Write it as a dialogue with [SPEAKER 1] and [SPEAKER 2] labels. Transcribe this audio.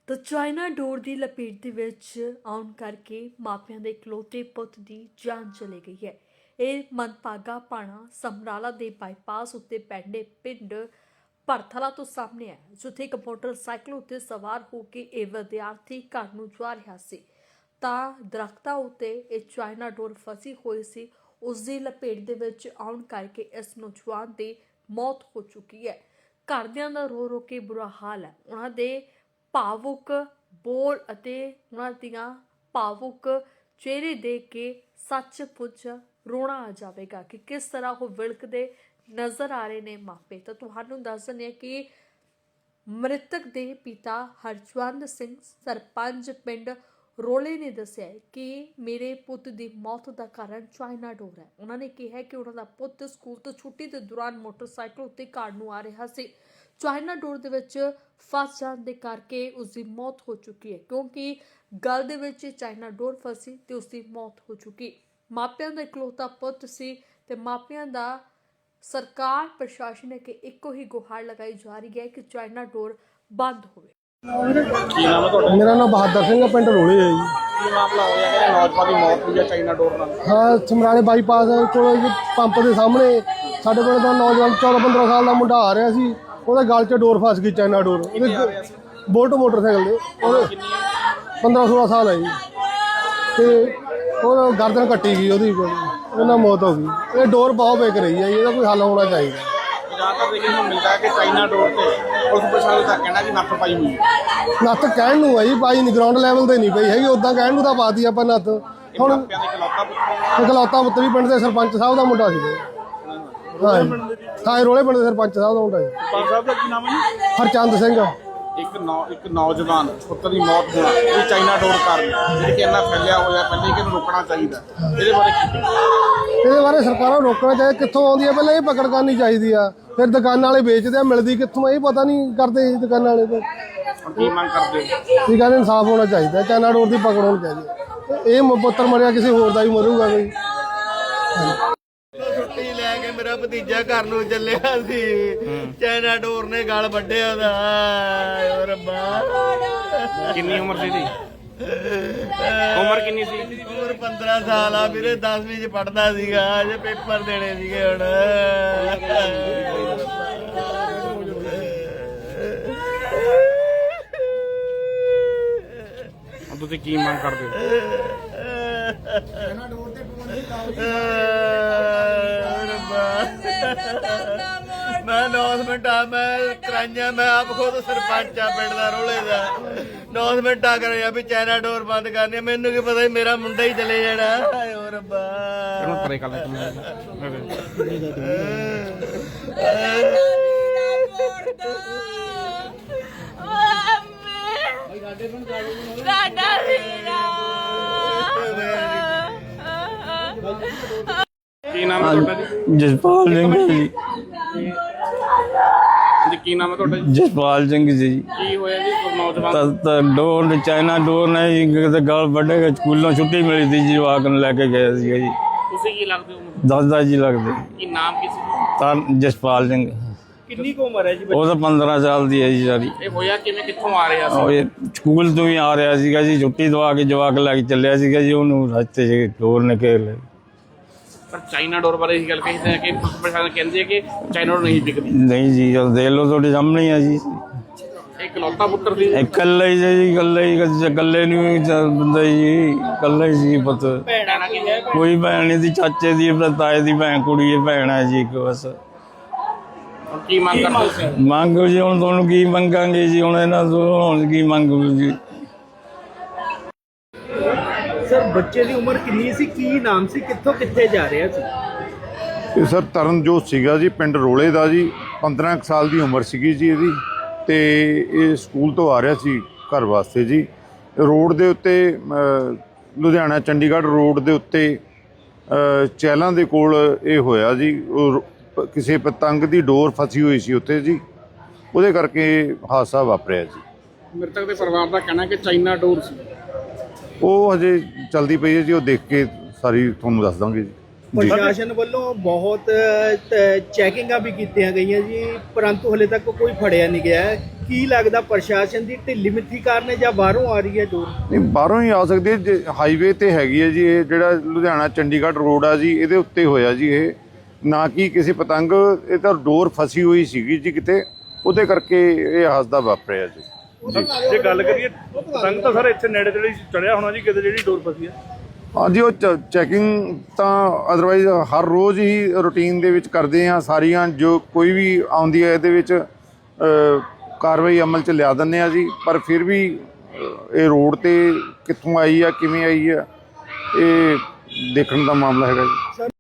[SPEAKER 1] ਤਾਂ ਚਾਈਨਾ ਡੋਰ ਦੀ ਲਪੇਟ ਦੇ ਵਿੱਚ ਆਉਣ ਕਰਕੇ ਮਾਪਿਆਂ ਦੇ ਇਕਲੌਤੇ ਪੁੱਤ ਦੀ ਜਾਨ ਚਲੀ ਗਈ ਹੈ। ਇਹ ਮੰਦਭਾਗਾ ਭਾਣਾ ਸਮਰਾਲਾ ਦੇ ਬਾਈਪਾਸ ਉੱਤੇ ਪੈਂਦੇ ਪਿੰਡ ਭਰਥਲਾ ਤੋਂ ਸਾਹਮਣੇ ਹੈ, ਜਿੱਥੇ ਇੱਕ ਮੋਟਰਸਾਈਕਲ ਉੱਤੇ ਸਵਾਰ ਹੋ ਕੇ ਇਹ ਵਿਦਿਆਰਥੀ ਘਰ ਨੂੰ ਜਾ ਰਿਹਾ ਸੀ ਤਾਂ ਦਰਖਤਾਂ ਉੱਤੇ ਇਹ ਚਾਈਨਾ ਡੋਰ ਫਸੀ ਹੋਈ ਸੀ। ਉਸ ਦੀ ਲਪੇਟ ਦੇ ਵਿੱਚ ਆਉਣ ਕਰਕੇ ਇਸ ਨੌਜਵਾਨ ਦੀ ਮੌਤ ਹੋ ਚੁੱਕੀ ਹੈ। ਘਰਦਿਆਂ ਦਾ ਰੋ ਰੋ ਕੇ ਬੁਰਾ ਹਾਲ ਹੈ। ਉਹਨਾਂ ਦੇ ਭਾਵੁਕ ਬੋਲ ਅਤੇ ਉਹਨਾਂ ਦੀਆਂ ਭਾਵੁਕ ਚਿਹਰੇ ਦੇਖ ਕੇ ਸੱਚਮੁੱਚ ਰੋਣਾ ਆ ਜਾਵੇਗਾ ਕਿ ਕਿਸ ਤਰ੍ਹਾਂ ਉਹ ਵਿਲਕਦੇ ਨਜ਼ਰ ਆ ਰਹੇ ਨੇ ਮਾਪੇ। ਤਾਂ ਤੁਹਾਨੂੰ ਦੱਸ ਦਿੰਦੇ ਹਾਂ ਕਿ ਮ੍ਰਿਤਕ ਦੇ ਪਿਤਾ ਹਰਜਵੰਤ ਸਿੰਘ ਸਰਪੰਚ ਪਿੰਡ ਰੋਲੇ ਨੇ ਦੱਸਿਆ ਕਿ ਮੇਰੇ ਪੁੱਤ ਦੀ ਮੌਤ ਦਾ ਕਾਰਨ ਚਾਈਨਾ ਡੋਰ ਹੈ। ਉਹਨਾਂ ਨੇ ਕਿਹਾ ਕਿ ਉਹਨਾਂ ਦਾ ਪੁੱਤ ਸਕੂਲ ਤੋਂ ਛੁੱਟੀ ਦੇ ਦੌਰਾਨ ਮੋਟਰਸਾਈਕਲ ਉੱਤੇ ਘਰ ਨੂੰ ਆ ਰਿਹਾ ਸੀ। ਚਾਈਨਾ ਡੋਰ ਦੇ ਵਿੱਚ ਫਸ ਜਾਣ ਦੇ ਕਰਕੇ ਉਸ ਦੀ ਮੌਤ ਹੋ ਚੁੱਕੀ ਹੈ, ਕਿਉਂਕਿ ਗਲ ਦੇ ਵਿੱਚ ਚਾਈਨਾ ਡੋਰ ਫਸੀ ਤੇ ਉਸ ਦੀ ਮੌਤ ਹੋ ਚੁੱਕੀ। ਮਾਪਿਆਂ ਦਾ ਇਕਲੌਤਾ ਪੁੱਤ ਸੀ ਤੇ ਮਾਪਿਆਂ ਦਾ ਸਰਕਾਰ ਪ੍ਰਸ਼ਾਸਨ ਨੇ ਕਿ ਇੱਕੋ ਹੀ ਗੁਹਾਰ ਲਗਾਈ ਜਾ ਰਹੀ ਹੈ ਕਿ ਚਾਈਨਾ ਡੋਰ ਬੰਦ ਹੋਵੇ।
[SPEAKER 2] ਮੇਰਾ ਨਾਮ ਬਹਾਦਰ ਸਿੰਘ ਹੈ, ਪਿੰਡ ਰੋਲੇ ਹੈ ਜੀ।
[SPEAKER 3] ਕੀ ਮਾਮਲਾ ਹੋਇਆ ਕਿ ਨੌਜਵਾਨ ਦੀ ਮੌਤ ਹੋਈ ਹੈ ਚਾਈਨਾ ਡੋਰ ਨਾਲ?
[SPEAKER 2] ਹਾਂ, ਸਮਰਾਲੇ ਬਾਈਪਾਸ ਕੋਲ ਪੰਪ ਦੇ ਸਾਹਮਣੇ ਸਾਡੇ ਪਿੰਡ ਦਾ ਨੌਜਵਾਨ 14-15 ਸਾਲ ਦਾ ਮੁੰਡਾ ਆ ਰਿਹਾ ਸੀ। ਉਹਦੇ ਗਲ 'ਚ ਡੋਰ ਫਸ ਗਈ, ਚਾਈਨਾ ਡੋਰ। ਉਹਦੇ ਬੋਲਟ ਮੋਟਰਸਾਈਕਲ ਦੇ ਉਹਦੇ 15-16 ਸਾਲ ਹੈ ਜੀ ਤੇ ਉਹ ਗਰਦਨ ਕੱਟੀ ਗਈ, ਉਹਨਾਂ ਮੌਤ ਹੋ ਗਈ। ਇਹ ਡੋਰ ਬਹੁਤ ਵਿਕ ਰਹੀ ਹੈ ਜੀ, ਇਹਦਾ ਕੋਈ ਹੱਲ ਹੋਣਾ ਚਾਹੀਦਾ।
[SPEAKER 3] ਜ਼ਿਆਦਾਤਰ ਦੇਖਣ ਨੂੰ ਮਿਲਦਾ ਹੈ ਕਿ ਚਾਈਨਾ ਡੋਰ ਤੇ ਪੁਲਿਸ ਪ੍ਰਸ਼ਾਸਨ ਦਾ ਕਹਿਣਾ ਕਿ ਨੱਥ ਪਾਈ ਹੋਈ ਹੈ।
[SPEAKER 2] ਨੱਥ ਕਹਿਣ ਨੂੰ ਹੈ ਜੀ, ਪਾਈ ਨਹੀਂ, ਗਰਾਊਂਡ ਲੈਵਲ ਤੇ ਨਹੀਂ ਪਈ ਹੈਗੀ। ਉੱਦਾਂ ਕਹਿਣ ਨੂੰ ਤਾਂ ਪਾਤੀ ਆਪਾਂ ਨੱਥ। ਹੁਣ ਇਕਲੌਤਾ ਪੁੱਤ ਵੀ ਪਿੰਡ ਦੇ ਸਰਪੰਚ ਸਾਹਿਬ ਦਾ ਮੁੰਡਾ ਸੀ। ਹਾਂ, ਰੋਲੇ ਪਿੰਡ ਦੇ ਸਰਪੰਚ ਸਾਹਿਬ ਦਾ ਮੁੰਡਾ ਜੀ।
[SPEAKER 3] ਸਰਪੰਚ ਸਾਹਿਬ ਦਾ ਕੀ ਨਾਮ ਹੈ ਜੀ?
[SPEAKER 2] ਹਰਚੰਦ ਸਿੰਘ।
[SPEAKER 3] ਇੱਕ ਨੌਜਵਾਨ ਪੁੱਤ ਦੀ ਮੌਤ ਹੋਣਾ ਇਹ ਚਾਈਨਾ ਡੋਰ ਕਾਰਨ, ਜਿਹੜੀ ਕਿ ਇੰਨਾ ਫੈਲਿਆ ਹੋਇਆ, ਪਹਿਲੇ ਕਿ ਇਹਨੂੰ ਰੋਕਣਾ ਚਾਹੀਦਾ। ਇਹਦੇ ਬਾਰੇ
[SPEAKER 2] ਸਰਕਾਰਾਂ ਨੂੰ ਰੋਕਣਾ ਚਾਹੀਦਾ। ਕਿੱਥੋਂ ਆਉਂਦੀ ਹੈ ਪਹਿਲਾਂ ਇਹ ਪਕੜ ਕਰਨੀ ਚਾਹੀਦੀ ਆ। ਫਿਰ ਦੁਕਾਨਾਂ ਵਾਲੇ ਵੇਚਦੇ ਆ, ਮਿਲਦੀ ਕਿੱਥੋਂ ਇਹ ਪਤਾ ਨਹੀਂ ਕਰਦੇ ਦੁਕਾਨਾਂ ਵਾਲੇ।
[SPEAKER 3] ਤਾਂ ਕੀ ਮੰਗ ਕਰਦੇ?
[SPEAKER 2] ਠੀਕ ਹੈ, ਇਨਸਾਫ ਹੋਣਾ ਚਾਹੀਦਾ। ਚਾਈਨਾ ਡੋਰ ਦੀ ਪਕੜ ਹੋਣੀ ਚਾਹੀਦੀ। ਇਹ ਪੁੱਤਰ ਮਰਿਆ, ਕਿਸੇ ਹੋਰ ਦਾ ਵੀ ਮਰੂਗਾ ਕੋਈ।
[SPEAKER 4] ਛੁੱਟੀ ਲੈ ਕੇ ਮੇਰਾ ਭਤੀਜਾ ਘਰ ਨੂੰ ਚੱਲਿਆ ਸੀ, ਚਾਈਨਾ ਡੋਰ ਨੇ ਗਲ ਵੱਢਿਆ ਉਹਦਾ। ਓ ਰੱਬਾ,
[SPEAKER 3] ਕਿੰਨੀ ਉਮਰ ਸੀ ਇਹਦੀ? ਉਮਰ ਕਿੰਨੀ ਸੀ?
[SPEAKER 4] ਉਮਰ 15 ਸਾਲ ਆ ਵੀਰੇ, 10ਵੀਂ ਚ ਪੜਦਾ ਸੀਗਾ। ਅਜੇ ਪੇਪਰ ਦੇਣੇ ਸੀਗੇ ਹੁਣ।
[SPEAKER 3] ਤੁਸੀਂ ਕੀ ਮੰਗ ਕਰਦੇ ਹੋ?
[SPEAKER 4] ਮੈਂ ਅਨਾਉਂਸਮੈਂਟ ਆ, ਮੈਂ ਕਰਾਈਆਂ, ਮੈਂ ਆਪ ਖੁਦ ਸਰਪੰਚ ਆ ਪਿੰਡ ਦਾ, ਰੋਲੇ ਦਾ। ਅਨਾਉਂਸਮੈਂਟ ਆ ਕਰਾਈਆਂ ਵੀ ਚਾਈਨਾ ਡੋਰ ਬੰਦ ਕਰਨੀ। ਮੈਨੂੰ ਕੀ ਪਤਾ ਮੇਰਾ ਮੁੰਡਾ ਹੀ ਚਲੇ ਜਾਣਾ। ਹਾਏ ਓ ਰੱਬਾ।
[SPEAKER 3] ਪਰੇ ਕਰ ਲੈ ਕੀ ਨਾਮ ਹੈ ਤੁਹਾਡਾ ਜੀ?
[SPEAKER 5] ਜਸਪਾਲ ਸਿੰਘ ਜੀ।
[SPEAKER 3] ਕੀ ਨਾਮ ਹੈ ਤੁਹਾਡਾ ਜੀ?
[SPEAKER 5] ਜਸਪਾਲ ਸਿੰਘ ਜੀ।
[SPEAKER 3] ਕੀ ਹੋਇਆ ਜੀ ਨੌਜਵਾਨ?
[SPEAKER 5] ਤਾਂ ਡੋਰ ਚਾਈਨਾ ਡੋਰ ਨੇ ਜੀ ਕਿਤੇ ਗਲ ਵੱਢੇ। ਸਕੂਲੋਂ ਛੁੱਟੀ ਮਿਲੀ ਸੀ ਜੀ, ਜਵਾਕ ਨੂੰ ਲੈ ਕੇ ਗਏ ਸੀਗਾ ਜੀ।
[SPEAKER 3] ਤੁਸੀਂ ਕੀ ਲੱਗਦੇ ਹੋ?
[SPEAKER 5] ਦਾਦਾ ਜੀ ਲੱਗਦੇ।
[SPEAKER 3] ਕੀ ਨਾਮ ਕੀ ਸੀ?
[SPEAKER 5] ਤਾਂ ਜਸਪਾਲ ਸਿੰਘ।
[SPEAKER 3] ਕਿੰਨੀ ਕੁ ਉਮਰ ਹੈ ਜੀ?
[SPEAKER 5] ਉਹ ਤਾਂ 15 ਸਾਲ ਦੀ ਹੈ ਜੀ ਸਾਰੀ।
[SPEAKER 3] ਇਹ ਹੋਇਆ ਕਿਵੇਂ, ਕਿੱਥੋਂ ਆ ਰਿਹਾ
[SPEAKER 5] ਉਹ
[SPEAKER 3] ਸੀ?
[SPEAKER 5] ਇਹ ਸਕੂਲ ਤੋਂ ਹੀ ਆ ਰਿਹਾ ਸੀਗਾ ਜੀ, ਛੁੱਟੀ ਦਵਾ ਕੇ ਜਵਾਕ ਲੈ ਕੇ ਚੱਲਿਆ ਸੀਗਾ ਜੀ। ਉਹਨੂੰ ਰਸਤੇ 'ਚ ਡੋਰ ਨੇ ਘੇਰ ਲਿਆ।
[SPEAKER 3] ਪਰ ਚਾਈਨਾ ਡੋਰ ਬਾਰੇ ਇਹ ਗੱਲ ਕਹੀ ਹੈ ਕਿ ਪ੍ਰਸ਼ਾਸਨ ਕਹਿੰਦੇ ਹੈ ਕਿ ਚਾਈਨਾ ਡੋਰ ਨਹੀਂ ਵਿਕਦੀ।
[SPEAKER 5] ਨਹੀਂ ਜੀ, ਜਦ ਦੇਖ ਲਓ ਤੁਹਾਡੇ ਸਾਹਮਣੇ ਆ ਜੀ।
[SPEAKER 3] ਇਹ ਇਕਲੌਤਾ ਪੁੱਤਰ ਸੀ?
[SPEAKER 5] ਇਕੱਲਾ ਹੀ ਜੀ, ਇਕੱਲੇ ਨੂੰ ਬੰਦਾ ਜੀ, ਇਕੱਲਾ ਹੀ ਸੀ ਪੁੱਤ।
[SPEAKER 3] ਭੈਣਾਂ ਕੀ ਹੈ?
[SPEAKER 5] ਕੋਈ ਭੈਣ ਨਹੀਂ ਸੀ, ਚਾਚੇ ਦੀ ਤਾਏ ਦੀ ਭੈਣ ਕੁੜੀ ਹੈ, ਭੈਣ ਹੈ ਜੀ ਇੱਕ ਬਸ।
[SPEAKER 3] ਕੀ ਮੰਗ ਕਰਦੇ ਸੀ?
[SPEAKER 5] ਮੰਗ ਜੀ ਹੁਣ ਤੁਹਾਨੂੰ ਕੀ ਮੰਗਾਂਗੇ ਜੀ, ਹੁਣ ਇਹਨਾਂ ਤੋਂ ਹੁਣ ਕੀ ਮੰਗੋ ਜੀ।
[SPEAKER 6] ਸਰ, ਬੱਚੇ ਦੀ ਉਮਰ ਕਿੰਨੀ ਸੀ, ਕੀ ਨਾਮ ਸੀ, ਕਿੱਥੋਂ ਕਿੱਥੇ ਜਾ ਰਿਹਾ ਸੀ?
[SPEAKER 7] ਇਹ ਸਰ ਤਰਨਜੋਤ ਸੀਗਾ ਜੀ, ਪਿੰਡ ਰੋਲੇ ਦਾ ਜੀ। 15 ਸਾਲ ਦੀ ਉਮਰ ਸੀਗੀ ਜੀ ਇਹਦੀ, ਤੇ ਇਹ ਸਕੂਲ ਤੋਂ ਆ ਰਿਹਾ ਸੀ ਘਰ ਵਾਸਤੇ ਜੀ। ਰੋਡ ਦੇ ਉੱਤੇ ਲੁਧਿਆਣਾ ਚੰਡੀਗੜ੍ਹ ਰੋਡ ਦੇ ਉੱਤੇ ਚਹਿਲਾਂ ਦੇ ਕੋਲ ਇਹ ਹੋਇਆ ਜੀ। ਕਿਸੇ ਪਤੰਗ ਦੀ ਡੋਰ ਫਸੀ ਹੋਈ ਸੀ ਉੱਥੇ ਜੀ, ਉਹਦੇ ਕਰਕੇ ਹਾਦਸਾ ਵਾਪਰਿਆ ਜੀ।
[SPEAKER 3] ਮ੍ਰਿਤਕ ਦੇ ਪਰਿਵਾਰ ਦਾ ਕਹਿਣਾ ਕਿ ਚਾਈਨਾ ਡੋਰ ਸੀ।
[SPEAKER 7] ਉਹ ਹਜੇ ਚਲਦੀ ਪਈ ਹੈ ਜੀ, ਉਹ ਦੇਖ ਕੇ ਸਾਰੀ ਤੁਹਾਨੂੰ ਦੱਸ ਦਾਂਗੇ ਜੀ।
[SPEAKER 6] ਪ੍ਰਸ਼ਾਸਨ ਵੱਲੋਂ ਬਹੁਤ ਚੈਕਿੰਗਾਂ ਵੀ ਕੀਤੀਆਂ ਗਈਆਂ ਜੀ, ਪਰੰਤੂ ਹਲੇ ਤੱਕ ਕੋਈ ਫੜਿਆ ਨਹੀਂ ਗਿਆ। ਕੀ ਲੱਗਦਾ ਪ੍ਰਸ਼ਾਸਨ ਦੀ ਢਿੱਲੀ ਮਿੱਠੀ ਕਾਰਨ ਹੈ ਜਾਂ ਬਾਹਰੋਂ ਆ ਰਹੀ ਹੈ ਡੋਰ?
[SPEAKER 7] ਨਹੀਂ, ਬਾਹਰੋਂ ਹੀ ਆ ਸਕਦੇ ਜੇ ਹਾਈਵੇ ਤੇ ਹੈਗੀ ਹੈ ਜੀ। ਇਹ ਜਿਹੜਾ ਲੁਧਿਆਣਾ ਚੰਡੀਗੜ੍ਹ ਰੋਡ ਆ ਜੀ, ਇਹਦੇ ਉੱਤੇ ਹੋਇਆ ਜੀ ਇਹ, ਨਾ ਕਿ ਕਿਸੇ ਪਤੰਗ, ਇਹ ਤਾਂ ਡੋਰ ਫਸੀ ਹੋਈ ਸੀਗੀ ਜੀ ਕਿਤੇ, ਉਹਦੇ ਕਰਕੇ ਇਹ ਹਾਦਸਾ ਵਾਪਰਿਆ ਜੀ।
[SPEAKER 8] ਜੇ ਗੱਲ ਕਰੀਏ ਪਤੰਗ ਤਾਂ ਸਰ ਇੱਥੇ ਨੇੜੇ ਤੇੜੇ ਚੜਿਆ ਹੋਣਾ ਜੀ ਕਿਤੇ ਜਿਹੜੀ ਡੋਰ ਫਸੀ ਹੈ।
[SPEAKER 7] ਹਾਂਜੀ, ਉਹ ਚੈਕਿੰਗ ਤਾਂ ਅਦਰਵਾਈਜ਼ ਹਰ ਰੋਜ਼ ਹੀ ਰੂਟੀਨ ਦੇ ਵਿੱਚ ਕਰਦੇ ਆ ਸਾਰੀਆਂ, ਜੋ ਕੋਈ ਵੀ ਆਉਂਦੀ ਹੈ ਇਹਦੇ ਵਿੱਚ ਕਾਰਵਾਈ ਅਮਲ 'ਚ ਲਿਆ ਦਿੰਦੇ ਆ ਜੀ। ਪਰ ਫਿਰ ਵੀ ਇਹ ਰੋਡ ਤੇ ਕਿੱਥੋਂ ਆਈ ਆ, ਕਿਵੇਂ ਆਈ ਆ, ਇਹ ਦੇਖਣ ਦਾ ਮਾਮਲਾ ਹੈਗਾ ਜੀ।